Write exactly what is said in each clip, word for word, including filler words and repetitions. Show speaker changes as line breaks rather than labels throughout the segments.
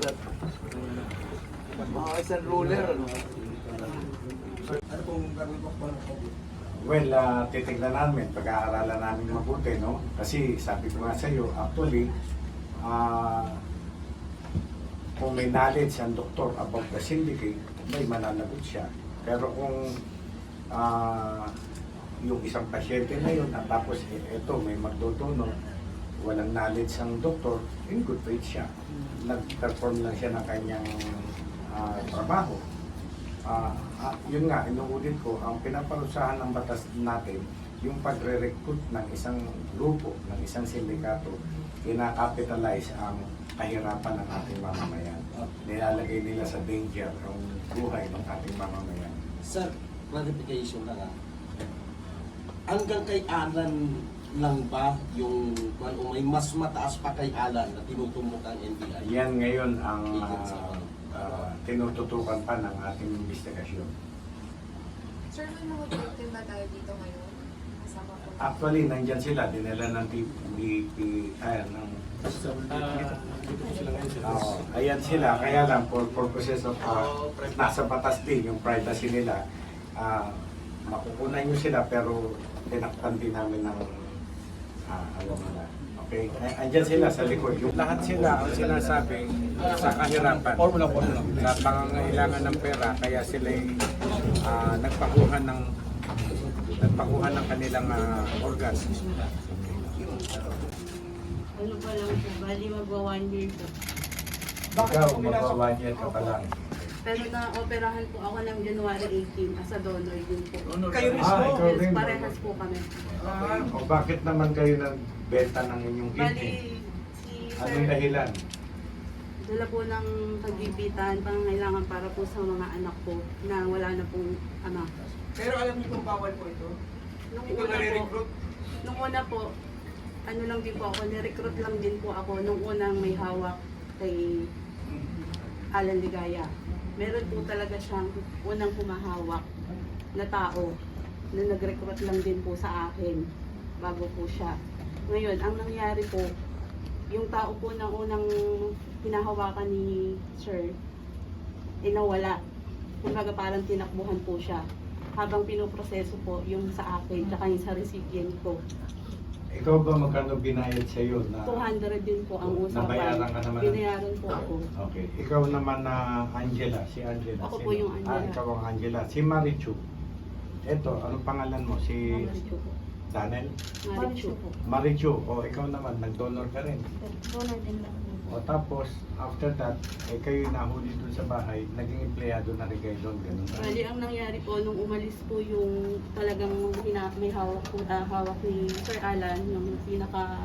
sugat. Mga isang ruler, ano?
Ano pong gagawin po po?
Well, uh, titignan namin, pag-aaralan namin mabuti, no? Kasi sabi ko nga sa iyo, actually, uh, kung may knowledge ang doktor about the syndicate, may mananagot siya. Pero kung uh, yung isang pasyente na yun, at tapos ito, may magdodonor, walang knowledge ang doktor, in good faith siya. Nag-perform lang siya ng kanyang uh, trabaho. Uh, uh, yun nga, inuulit ko, ang pinaparusahan ng batas natin, yung pagre-recruit ng isang grupo, ng isang sindikato, ina-capitalize ang kahirapan ng ating mamamayan. Nilalagay nila sa danger ang buhay ng ating mamamayan.
Sir, clarification lang ah. Hanggang kay Alan lang ba yung kung o may mas mataas pa kay Alan na tinutumbok ang N B I?
Yan ngayon ang uh, uh, tinututukan pa ng ating investigasyon.
Sir, may mga victim ba tayo dito ngayon? Kasama po.
Actually, nandyan sila, dinala ng T V P, ayan, ng uh, ayan sila, kaya lang for purposes of uh, nasa batas din yung privacy nila, uh, makukunan nyo sila pero tinakpan din namin ng uh, ano nila. Okay, andyan sila sa likod. Yung lahat sila ang sinasabi sa kahirapan, sa pangangailangan ng pera, kaya sila uh, nagpakuha ng nagpakuha ng kanilang uh, organs.
Ano pa lang po, bali magwa one year po.
Ikaw, magwa-one year ka pa lang.
Pero na-operahan po ako ng January eighteen as a donor din po.
Kayo mismo?
Ah, ikaw
Yes,
rin.
parehas po kami.
Okay. O bakit naman kayo nagbenta ng inyong
Bali,
kidney?
si
Anong
Sir,
dahilan?
dala po ng pagbibitan, pangangailangan para po sa mga anak ko na wala na pong ama.
Pero alam niyo kung bawal po ito?
Nung
Ito
una po,
nare-recruit?
nung una po, ano lang din po ako, ni-recruit lang din po ako nung unang may hawak kay Alan Ligaya. Meron po talaga siyang unang pumahawak na tao na nag-recruit lang din po sa akin bago po siya. Ngayon, ang nangyari po, yung tao po na unang hinahawakan ni Sir, eh nawala. Kumbaga parang tinakbuhan po siya. Habang pinoproseso po yung sa akin, tsaka yung sa recipient ko.
Ikaw ba magkano binayad sa iyo na
two hundred din po ang usapan.
Nabayaran ka naman?
Binayaran po ako.
Okay. Ikaw naman na Angela, si Angela.
Ako
Sino?
po yung Angela.
Ah, ikaw ang Angela. Si Marichu. Eto, anong pangalan mo? Si
Marichu po.
Daniel?
Marichu po.
Marichu. O, ikaw naman, nag-donor ka rin.
Donor din lang po.
O tapos, after that, eh, kayo nahuli dun sa bahay, naging empleyado na rin kayo doon, ganun ba?
Bali, ang nangyari po, nung umalis po yung talagang hina, may hawak po, ah, hawak ni Sir Alan, yung pinaka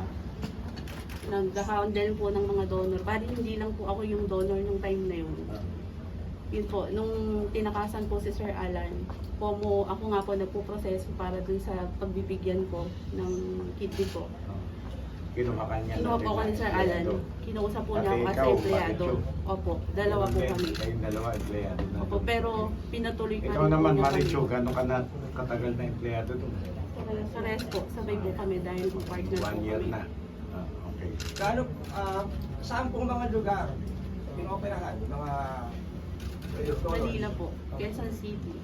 nag-handle po ng mga donor. Bali, hindi lang po ako yung donor nung time na yun. Yun po, nung tinakasan po si Sir Alan, po mo, ako nga po nagpo-proseso para dun sa pagbibigyan ko ng kidney ko.
Kinuha ka niya.
Kinuha po ako ni Sir Alan. Kinuusap po niya ako
Pati
as
ikaw,
empleyado.
Marichu.
Opo, dalawa po kami.
Kayong dalawa, empleyado na.
Opo, pero pinatuloy pa
Ikaw
rin po
naman,
niya kami.
Marichu, gano'n ka na katagal na empleyado doon?
Sa rest po, sabay po kami dahil po partner po
One year
kami.
na. Ah, okay.
Gaano, ah, saan pong mga lugar pinoperahan? Mga
Manila po, Quezon City.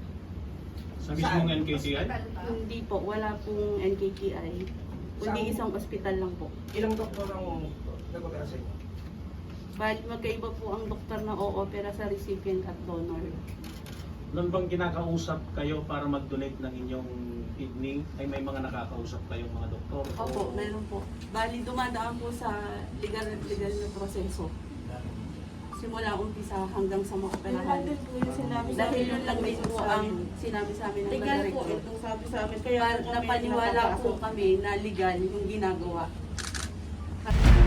Sa mismong N K T I?
Hindi po, wala pong N K T I. Kundi isang ospital lang po.
ilang doktor ang nag-opera sa inyo?
Bali, magkaiba po ang doktor na o-opera sa recipient at donor.
Noon bang kinakausap kayo para mag-donate ng inyong kidney? Ay may mga nakakausap kayong mga doktor?
Opo, meron po. Bali, dumadaan po sa legal at legal na proseso. Simula umpisa hanggang sa maoperahan.
po yung sinabi sa
Dahil
amin
yun lang din po
sa
ang
amin.
sinabi sa amin ng
Legal po
nag-recruit.
itong sabi sa amin. Kaya
Pa-
po kami
napaniwala po
nakapasok.
kami na legal yung ginagawa.